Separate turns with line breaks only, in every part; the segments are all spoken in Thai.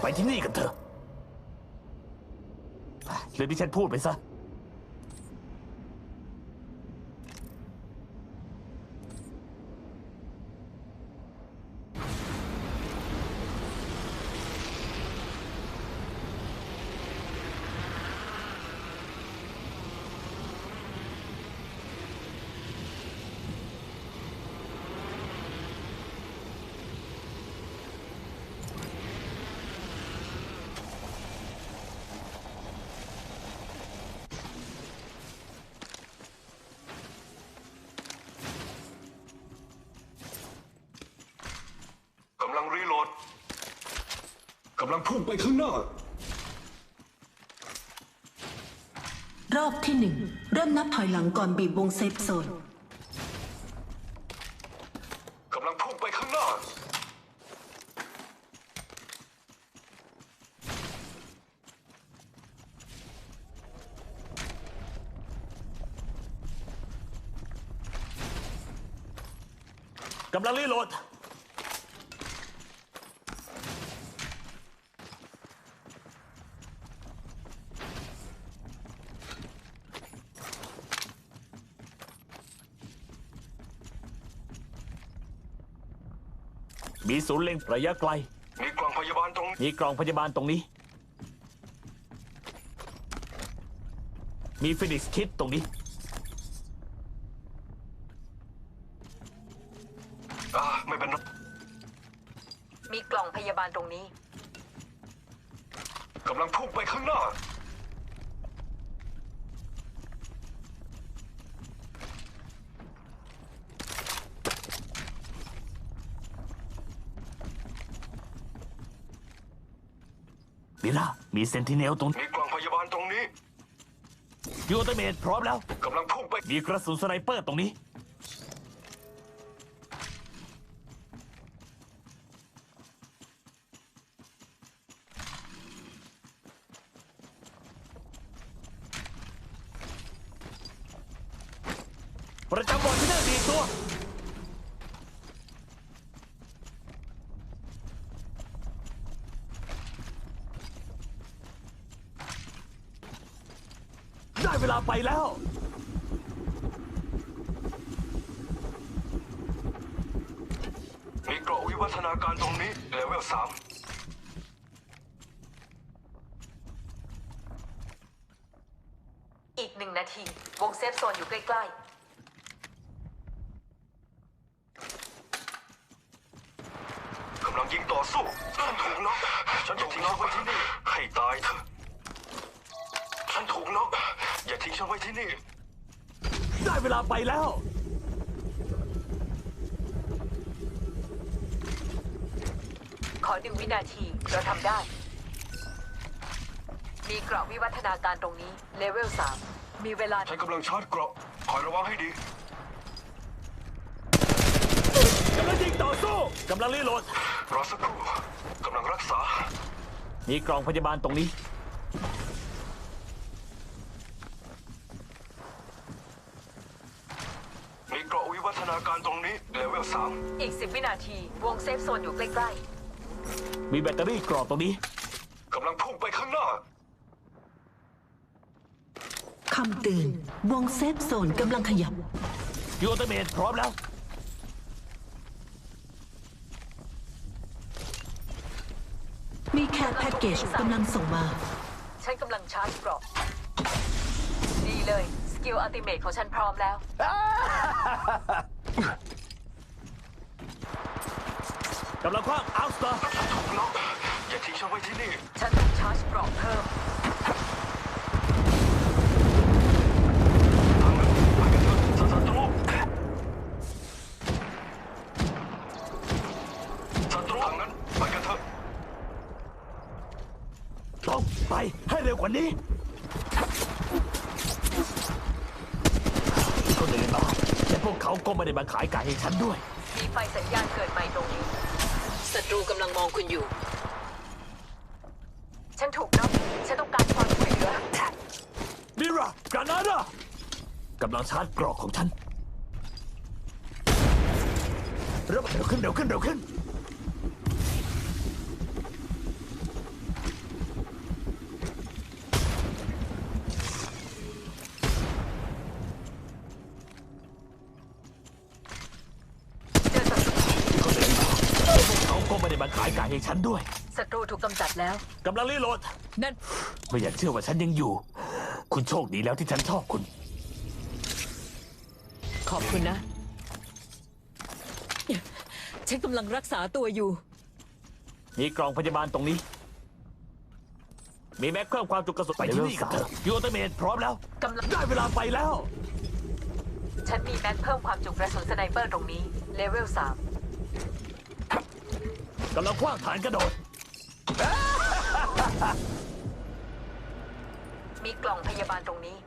ไปที่นี่กันเถอะเรื่องที่ฉันพูดไปซะ
กำลังรีโหลดกำลังพุ่งไปข้างหน้าร
อบที่หนึ่งเริ่มนับถอยหลังก่อนบีบวงเซฟโซน
กำลังพุ่งไปข้างหน้าก
ำลังรีโหลดมีศูนย์เล็งระยะไกล
มีกล่องพยาบาลตรง
มีกล่องพยาบาลตรงนี้มีฟินิกส์คิดตรงนี้
ไม่เป็นไร
มีกล่องพยาบาลตรงนี้
กำลังพุ่งไปข้างหน้า
มิล่ามีเซนติเนลตรง
มีกล่องพยาบาลตรงนี้
ยูเตเมทพร้อมแล้ว
กำลังพุ่งไป
มีกระสุนสไนเปอร์ตรงนี้ประจำบอร์ดที่น่าดีตัวได้เวลาไปแล้ว
มีเกราะวิวัฒนาการตรงนี้เลเวล 3
อีก1 นาทีวงเซฟโซนอยู่ใกล้
กำลังยิงต่อสู้ฉันถูกน็อกฉันถูกน็อกไว้ที่นี่ให้ตายเถอะฉันถูกน็อกอย่าทิ้งฉันไว้ที่นี่
ได้เวลาไปแล้ว
ๆขอ1 วินาทีเราทำได้มีเกราะวิวัฒนาการตรงนี้เลเวล 3มีเวลา
ฉันกำลังชาร์จเกราะคอยระวังให้ดี
กำลังยิงต่อสู้กำลังรีโหลด
รอสักครู่กำลังรักษา
มีกล่องพยาบาลตรงนี้
มีเกราะวิวัฒนาการตรงนี้เลเวล 3
อีก10 วินาทีวงเซฟโซนอยู่ใกล้
มีแบตเตอรี่กรอบตรงนี้
กำลังพุ่งไปข้างหน้า
คำเตือนวงเซฟโซนกำลังขยับ
ยูเตเมทพร้อมแล้ว
มีแคร์แพ็กเกจกำลังส่งมา
ฉันกำลังชาร์จเกราะดีเลยสกิลอัลติเมทของฉันพร้อมแล้ว
กำลังคว้างอัลสเตอร์
ถูกน็อกอย่าทิ้งฉันไว้ที่นี่
ฉันต้องชาร์จเกราะเพิ่ม
ต้องไปให้เร็วกว่านี้คนอื่นมาแต่พวกเขาก็ไม่ได้มาขายไก่ให้ฉันด้วย
มีไฟสัญญาณเกิดใหม่ตรงนี้ศัตรูกำลังมองคุณอยู่ฉันถูกน็อกฉันต้องการความช่วยเหลือ
มิรากรานาดากำลังชาร์จเกราะของฉันเร็วขึ้นไม่ได้มาขายไก่ให้ฉันด้วย
ศัตรูถูกกำจัดแล้ว
กำลังรีโหลด
นั่น
ไม่อยากเชื่อว่าฉันยังอยู่ คุณโชคดีแล้วที่ฉันชอบคุณ
ขอบคุณนะ ฉันกำลังรักษาตัวอยู่
มีกล่องพยาบาลตรงนี้ มีแม็กเพิ่มความจุกระสุนไปที่นี่กับเธอยูเตเมนพร้อมแล้ว
กำลัง
ได้เวลาไปแล้ว
ฉันมีแม็กเพิ่มความจุกระสุนสไนเปอร์ตรงนี้ เลเวล
กำลังคว้างฐานกระโดด
3 มีกล่องพยาบาลตรงนี้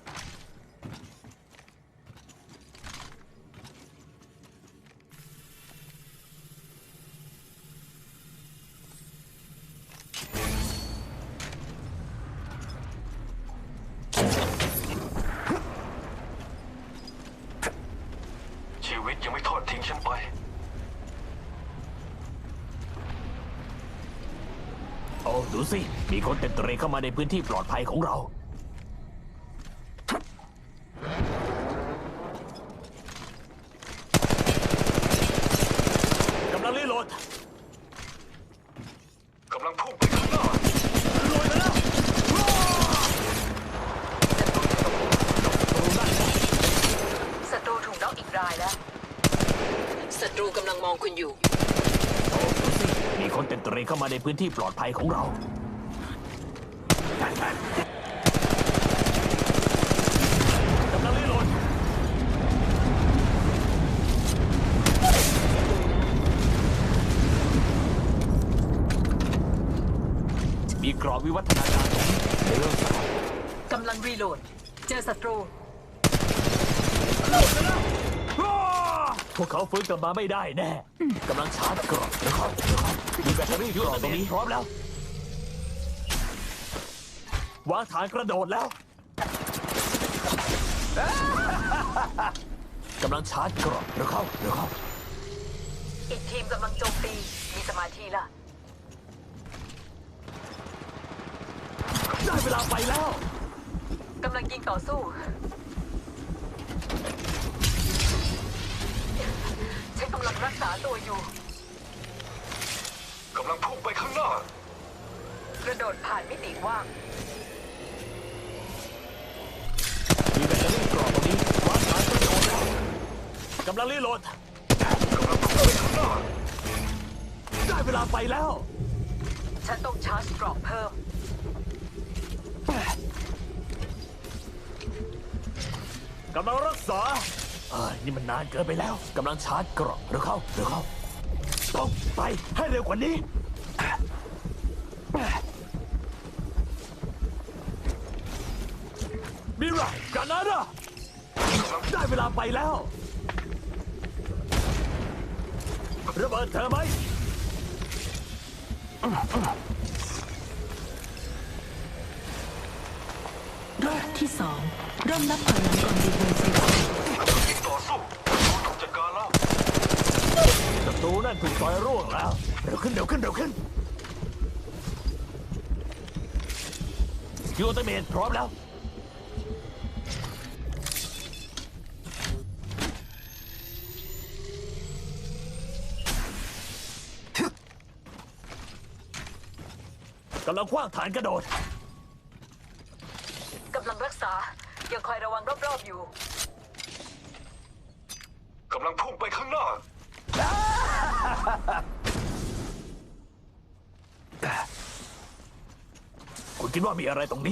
ชีวิตยังไม่ทอดทิ้งฉันไป
โอ้ดูสิ มีคนเต็มเตรเข้ามาในพื้นที่ปลอดภัยของเรา กำลังรีโหลด
กำลังพุ่งไปข้างหน้า
รวยแล้วว้าวตรงนั้นนะ
ศัตรูถูกน็อกอีกรายแล้ว ศัตรูกำลังมองคุณอยู่
โอ้ดูสิ มีคนเต็มเตรเข้ามาในพื้นที่ปลอดภัยของเรา กำลังรีโหลด มีกรอบวิวัฒนาการตรงนี้ในเรื่องสาม
กำลังรีโหลด เจอศัตรู
พวกเขาฟื้นกลับมาไม่ได้แน่ กำลังชาร์จกรอบนะครับมีแบตเตอรี่กรอบตรงนี้พร้อมแล้ว วางฐานกระโดดแล้ว กำลังชาร์จกรอบเร็วเข้า
อีกทีมกำลังโจมตี มีสมาธิละ
ได้เวลาไปแล้ว
กำลังยิงต่อสู้ ฉันกำลังรักษาตัวอยู่
กำลังพุ่งไปข้างหน้า
กระโดดผ่านมิติว่าง
มีแบตเตอรี่กรอบตรงนี้วางฐานกระโดดแล้วกำลังรีโหลด
กำลังพุ่งไปข้างหน้า
ได้เวลาไปแล้ว
ฉันต้องชาร์จกรอบเพิ่ม
กำลังรักษานี่มันนานเกินไปแล้ว กำลังชาร์จกรอบเร็วเข้า ต้องไปให้เร็วกว่านี้ มิราร์กานาดาได้เวลาไปแล้ว ระเบิดเธอไหม
รอบที่สองเริ่มนับถอยหลังก่อนดีเบอร์เซ
กำลังยิงต่อสู้ถูกจัดการแล้ว
ศัตรูนั่นถูกต่อยร่วงแล้ว เร็วขึ้นยูเตเมนพร้อมแล้ว กำลังคว้างฐานกระโดด
กำลังรักษา ยังคอยระวังรอบๆอยู่
กำลังพุ่งไปข้างหน้า
คุณคิดว่ามีอะไรตรงนี้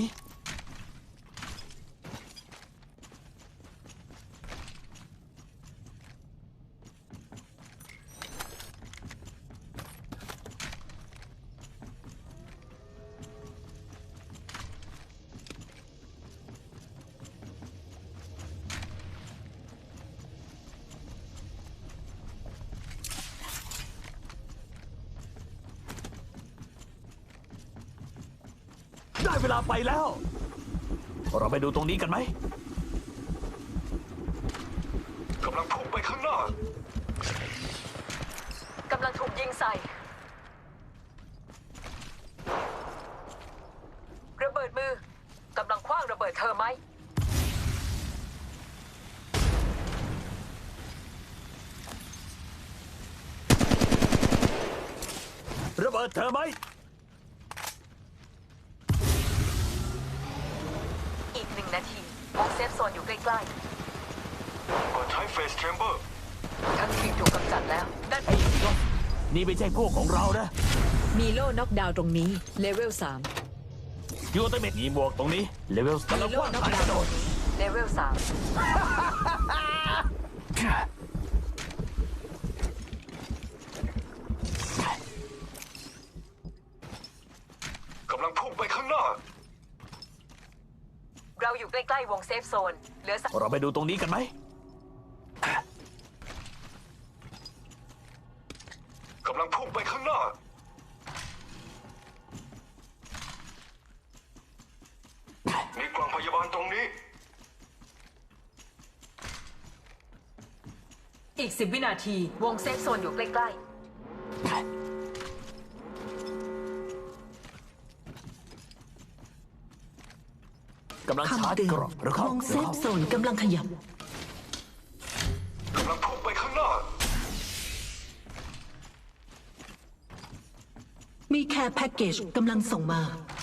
ได้เวลาไปแล้ว เราไปดูตรงนี้กันไหม
กำลังพุ่งไปข้างหน้า
กำลังถูกยิงใส่ ระเบิดมือ กำลังคว้างระเบิดเธอไหม
ระเบิดเธอไหม
อีก1 นาทีวงเซฟโซนอยู่ใกล้
ก่อนใช้เฟสแชมเบอร์
ๆ ทั้งทีมถูกกำจัดแล้วด้าน
ไอ้ก็นี่ไม่ใช่พวกของเรานะ
มีโล่น็อกดาวน์ตรงนี้ เลเวล
ยูเตเมทมีบวกตรงนี้เลเวลกำลังว่างหายกระโดด
เลเวล
กำลังพุ่งไปข้างหน้า
3 เราอยู่ใกล้ๆวงเซฟโซนเหลือ
เราไปดูตรงนี้กันไหม
กำลังพุ่งไปข้างหน้า มีกล่องพยาบาลตรงนี้
อีก10 วินาทีวงเซฟโซนอยู่ใกล้ๆ
กำลังชาร์จ
คำเตือน
กรอบหรือเข้าว
งเซฟโซนกำลังขยับ
กำลังพุ่งไปข้างหน้า
มีแค่แพ็กเกจกำลังส่งมา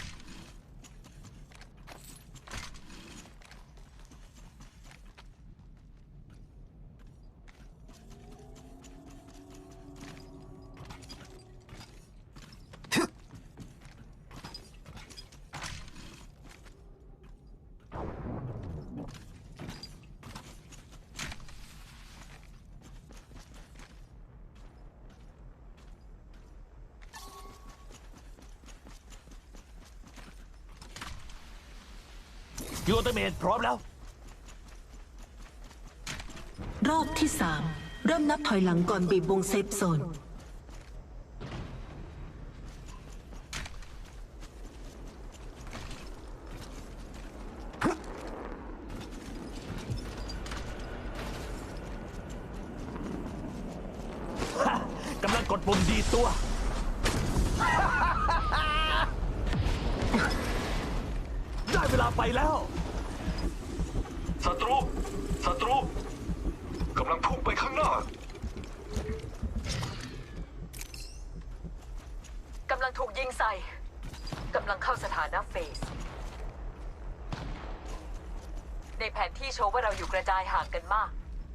ยูเตเมทพร้อมแล้ว
รอบที่ 3 เริ่มนับถอยหลังก่อนบีบวงเซฟโซน
กำลังกดปุ่มดีดตัว ได้เวลาไปแล้ว
ศัตรู ศัตรู กำลังพุ่งไปข้างหน้า
กำลังถูกยิงใส่ กำลังเข้าสถานะเฟส ในแผนที่โชว์ว่าเราอยู่กระจายห่างกันมาก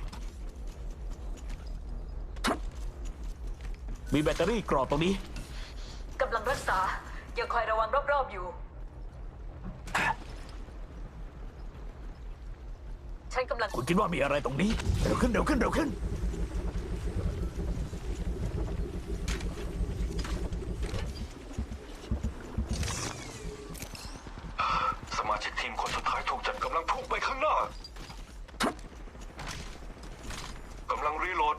มีแบตเตอรี่กรอบตรงนี้
กำลังรักษา ยังคอยระวังรอบๆอยู่ ฉันกำลัง
คุณคิดว่ามีอะไรตรงนี้ เร็วขึ้นเร็วขึ้นเร็วขึ้น
สมาชิกทีมคนสุดท้ายถูกจับกำลังพุ่งไปข้างหน้า กำลังรีโหลด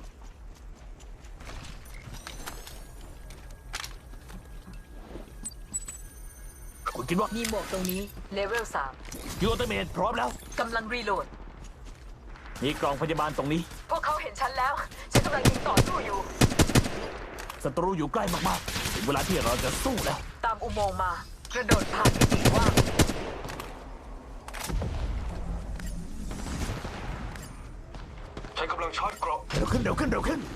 คุณคิดว่า
3 มีหมวกตรงนี้
เลเวล
ยูเตเมทพร้อมแล้ว
3 กำลังรีโหลด
มีกล่องพยาบาลตรงนี้
พวกเขาเห็นฉันแล้ว ฉันกำลังยิงต่อสู้อยู่
ศัตรูอยู่ใกล้มากๆ ถึงเวลาที่เราจะสู้แล้ว
ตามอุโมงค์มา กระโดดผ่านมิติว่าง
ใช้กำลังชาร์จเกราะ
เร็วขึ้นเร็วขึ้นเร็วขึ้น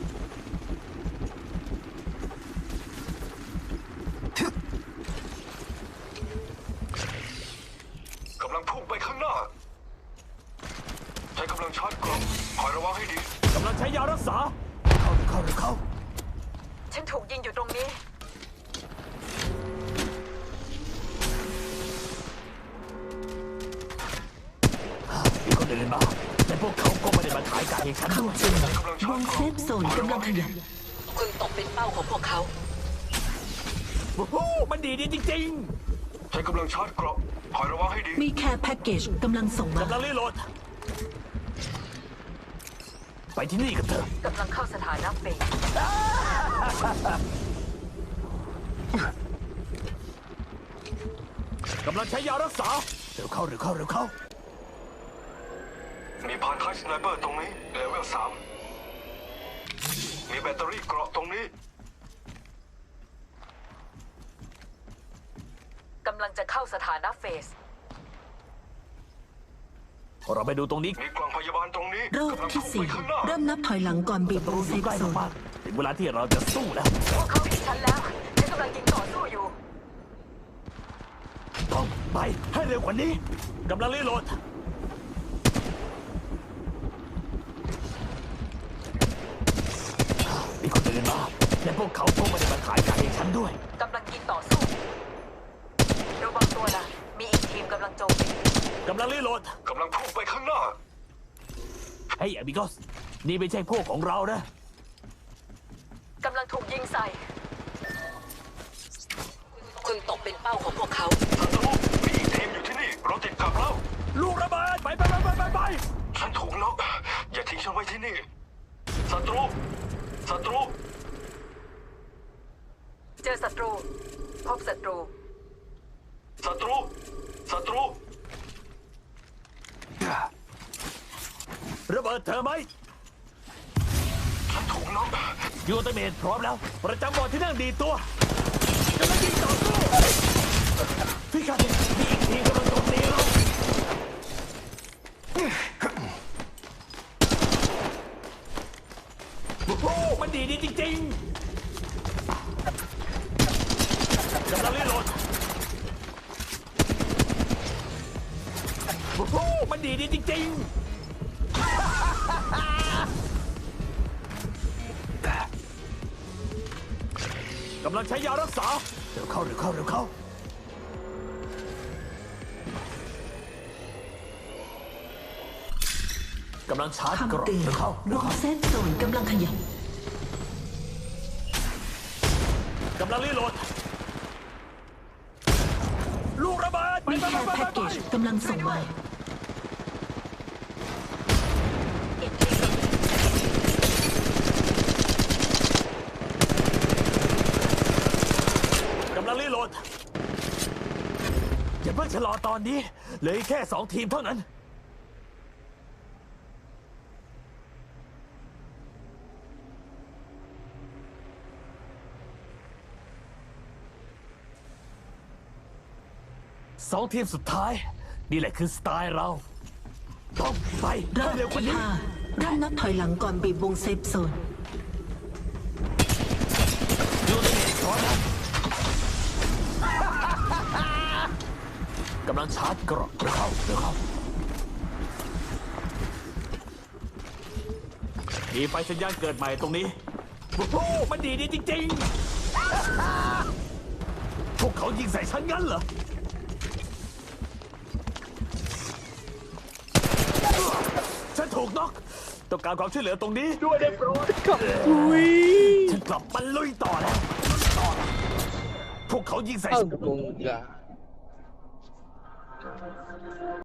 กำลังพุ่งไปข้างหน้า ใช้กำลังชาร์จเกราะคอยระวังให้ดี
กำลังใช้ยารักษา เข้าเร็วเข้าเร็วเข้า
ฉันถูกยิงอยู่ตรงนี้
มีคนเดินมา แต่พวกเขาก็ไม่ได้มาขายไก่ให้ฉันด้วย
คำเตือน
กำลังชาว ร์
ง
จ
เซ
เกราะ
ฟโซนกำลังขยับ
คุณตกเป็นเป้าของพวกเขา
โอ้โหมันดีจริง
ใช้กำลังชาร์จเกราะคอยระวังให้ดี
มีแค่แพ็กเกจกำลังส่ง
ๆ
มา
กำลังรีโหลด ไปที่นี่กันเถอะ
กำลังเข้าสถานะเฟส
กำลังใช้ยารักษา เร็วเข้าเร็วเข้าเร็วเข้า
มีพานท้ายสไนเปอร์ตรงนี้ เลเวล 3 มีแบตเตอรี่เกราะตรงนี้
กำลังจะเข้าสถานะเฟส
เราไปดูตรงนี้
มีกล่องพยาบาลตรงนี้
รอบ
กำลัง
ที่
พุ่งไปข้างหน้า
4 เริ่มนับถอยหลังก่อนบีบว
รู้
งเซ
อยู่
ฟ
ใกล้
โซน
มากๆถึงเวลาที่เราจะสู้แล้ว
พวกเขาเห็นฉันแล้ว ฉันกกำลังยิงต่อสู้อยู่
ต้องไปให้เร็วกว่านี้กำลังรีโหลดมีคนอื่นมาและพวกเขาคงไม่ได้มาขายไก่ให้ฉันด้วย
กำลังยิงต่อสู้ระวังตัวนะมีอีกทีมกำลังโจมตี
กำลังรีโหลด
กำลังพุ่งไปข้างหน้า
เฮ้ยอบิโกสนี่ไม่ใช่พวกของเรานะ
กำลังถูกยิงใส่ คุณตกเป็นเป้าของพวกเขา
ศัตรูมีอีกทีมอยู่ที่นี่ เราติดกับแล้ว
ลูกระเบิดไป
ฉันถูกน็อกอย่าทิ้งฉันไว้ที่นี่ ศัตรู ศัตรู
เจอศัตรู พบศัตรู
ศัตรู ศัตรู
ระเบิดเธอไหม
ฉันถูกน็อก
ยูเตเมนพร้อมแล้ว ประจำบอร์ดที่นั่งดีตัวกำลังยิงต่อสู้พี่ครับมีอีกทีมกำลังโจมตีเราโอ้โหมันดีจริงๆกำลังรีโหลดโอ้โหมันดีจริงๆกำลังใช้ยารักษาเร็วเข้า กำลังชาร์จกรอบ
คำเตือน
เร็วเข้าว
งเซฟโซนกำลังขยับ
กำลังรีโหลด ลูกระเบิด
มีแค่แพ็กเกจกำลังส่งมา
อีกทีม
กำลังรีโหลดอย่าเพิ่งชะลอตอนนี้เหลืออีกแค่2 ทีมเท่านั้น 2 ทีมสุดท้าย นี่แหละคือสไตล์เรา ต้องไป
รอบ
ให้เร็วกว่า
ที่
นี้
5เริ่มนับถอยหลังก่อนบีบวงเซฟโซน
ยูเตเมนพร้อมแล้วกำลังชาร์จกรอบเร็วเข้ามีไฟสัญญาณเกิดใหม่ตรงนี้โอ้โหมันดีจริงๆ พวกเขายิงใส่ฉันงั้นเหรอ ฉันถูกน็อกต้องการความช่วยเหลือตรงนี้ด้วยได้โปรดฉันกลับมาลุยต่อแล้วพวกเขายิงใส่ฉัน
Enggak.